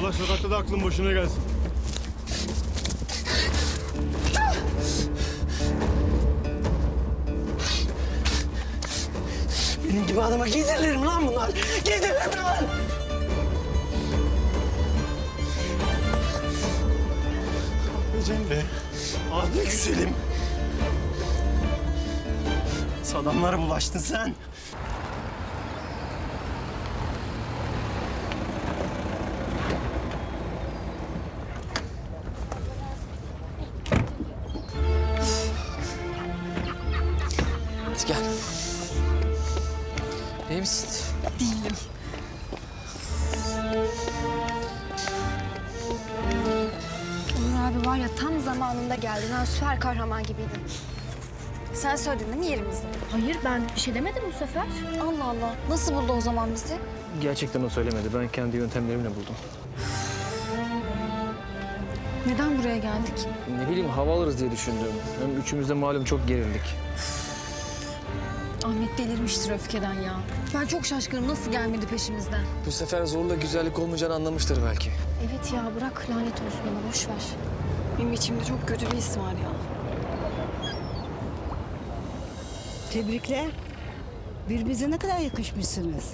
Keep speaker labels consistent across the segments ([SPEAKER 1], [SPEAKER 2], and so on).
[SPEAKER 1] Allah sokakta da aklın boşuna gelsin.
[SPEAKER 2] Benim gibi adama giydirilir mi lan bunlar? Giydirilir mi lan?
[SPEAKER 1] Cemre.
[SPEAKER 2] Abi güzelim. Adamlara bulaştın sen.
[SPEAKER 3] Hadi gel. İyi misin?
[SPEAKER 4] Değilim.
[SPEAKER 5] Onur abi var ya tam zamanında geldin. Ha, süper kahraman gibiydin. Sen söyledin değil mi yerimizi?
[SPEAKER 4] Hayır ben bir şey demedim bu sefer.
[SPEAKER 5] Allah Allah. Nasıl buldu o zaman bizi?
[SPEAKER 3] Gerçekten o söylemedi. Ben kendi yöntemlerimle buldum.
[SPEAKER 5] Neden buraya geldik?
[SPEAKER 3] Ne bileyim hava alırız diye düşündüm. Hem üçümüz de malum çok gerildik.
[SPEAKER 4] Ahmet delirmiştir öfkeden ya. Ben çok şaşkınım nasıl gelmedi peşimizden.
[SPEAKER 3] Bu sefer zorla güzellik olmayacağını anlamıştır belki.
[SPEAKER 5] Evet ya bırak lanet olsun ona boş ver.
[SPEAKER 4] Benim içimde çok kötü bir his var ya.
[SPEAKER 6] Tebrikler. Birbirinize ne kadar yakışmışsınız.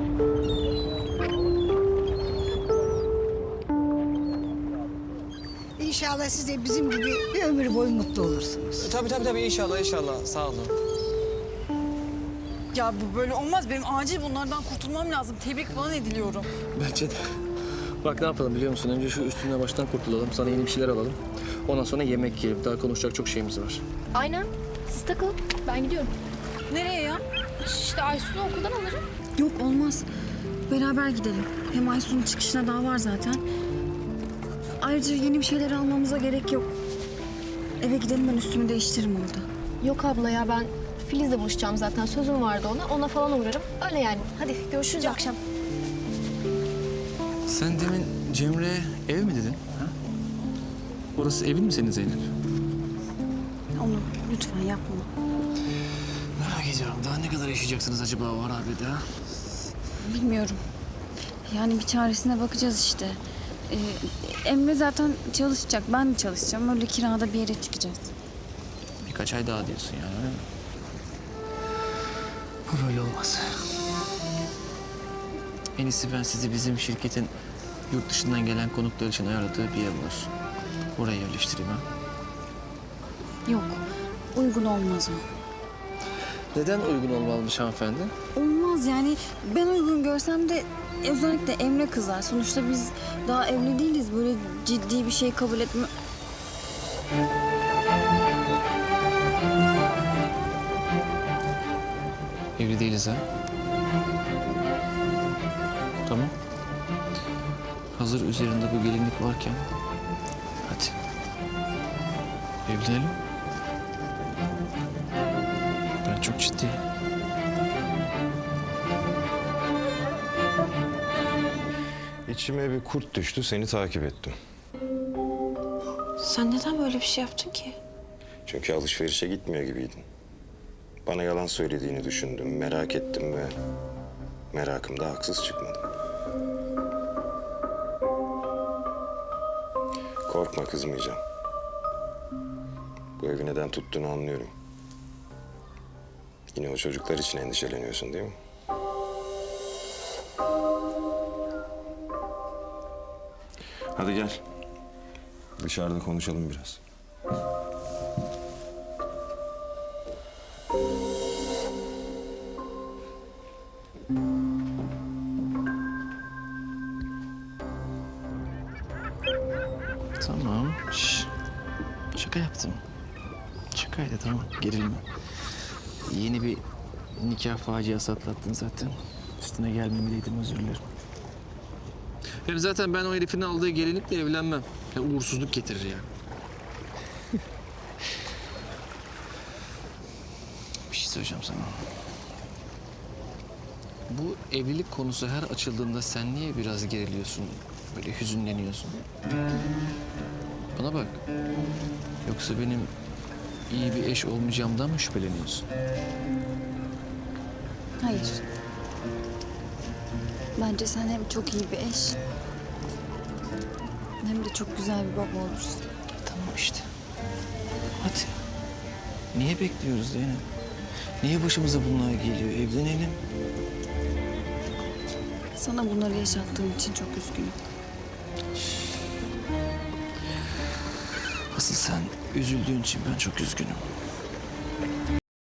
[SPEAKER 6] İnşallah siz de bizim gibi bir ömür boyu mutlu olursunuz.
[SPEAKER 3] Tabii inşallah sağ olun.
[SPEAKER 4] Ya bu böyle olmaz. Benim acil bunlardan kurtulmam lazım. Tebrik falan ediliyorum.
[SPEAKER 3] Bence de. Bak ne yapalım biliyor musun? Önce şu üstüne baştan kurtulalım. Sana yeni bir şeyler alalım. Ondan sonra yemek yiyelim. Daha konuşacak çok şeyimiz var.
[SPEAKER 7] Aynen. Siz takılın. Ben gidiyorum.
[SPEAKER 4] Nereye ya?
[SPEAKER 7] İşte Aysun'u okuldan alırım.
[SPEAKER 5] Yok olmaz. Beraber gidelim. Hem Aysun'un çıkışına daha var zaten. Ayrıca yeni bir şeyler almamıza gerek yok. Eve gidelim ben üstümü değiştiririm orada.
[SPEAKER 7] Yok abla ya ben Filiz'le buluşacağım zaten. Sözüm vardı ona. Ona falan uğrarım. Öyle yani. Hadi görüşürüz akşam.
[SPEAKER 3] Sen demin Cemre'ye ev mi dedin? Ha? Orası evin mi senin Zeynep?
[SPEAKER 5] Onur lütfen yapma.
[SPEAKER 3] Merak ediyorum. Daha ne kadar yaşayacaksınız acaba o harabede ha?
[SPEAKER 5] Bilmiyorum. Yani bir çaresine bakacağız işte. Emre zaten çalışacak. Ben de çalışacağım. Öyle kirada bir yere çıkacağız.
[SPEAKER 3] Birkaç ay daha diyorsun yani öyle mi? Bu böyle olmaz. En iyisi ben sizi bizim şirketin yurt dışından gelen konuklar için ayarladığı bir ev var. Oraya yerleştireyim ha.
[SPEAKER 5] Yok. Uygun olmaz o.
[SPEAKER 3] Neden uygun olmalımış hanımefendi?
[SPEAKER 5] Olmaz yani. Ben uygun görsem de özellikle Emre kızar. Sonuçta biz daha evli değiliz. Böyle ciddi bir şey kabul etme...
[SPEAKER 3] Evli değiliz ha. Tamam. Hazır üzerinde bu gelinlik varken hadi evlenelim. Ben çok ciddiyim.
[SPEAKER 8] İçime bir kurt düştü, seni takip ettim.
[SPEAKER 5] Sen neden böyle bir şey yaptın ki?
[SPEAKER 8] Çünkü alışverişe gitmiyor gibiydin. Bana yalan söylediğini düşündüm, merak ettim ve merakımda haksız çıkmadım. Korkma, kızmayacağım. Bu evi neden tuttuğunu anlıyorum. Yine o çocuklar için endişeleniyorsun değil mi? Hadi gel. Dışarıda konuşalım biraz.
[SPEAKER 3] Tamam. Şş. Şaka yaptım. Şakaydı tamam. Gerilme. Yeni bir nikah faciası atlattın zaten. Üstüne gelmemeliydim özür dilerim. Hem zaten ben o herifin aldığı gelinlikle evlenmem. Ya uğursuzluk getirir yani. Bir şey söyleyeceğim sana. Bu evlilik konusu her açıldığında sen niye biraz geriliyorsun? Böyle hüzünleniyorsun. Bana bak. Yoksa benim iyi bir eş olmayacağımdan mı şüpheleniyorsun?
[SPEAKER 5] Hayır. Bence sen hem çok iyi bir eş Hem de çok güzel bir baba olursun.
[SPEAKER 3] Tamam işte. Hadi. Niye bekliyoruz Zeynep? Niye başımıza bunlar geliyor? Evlenelim.
[SPEAKER 5] Sana bunları yaşattığım için çok üzgünüm.
[SPEAKER 3] Asıl sen üzüldüğün için ben çok üzgünüm.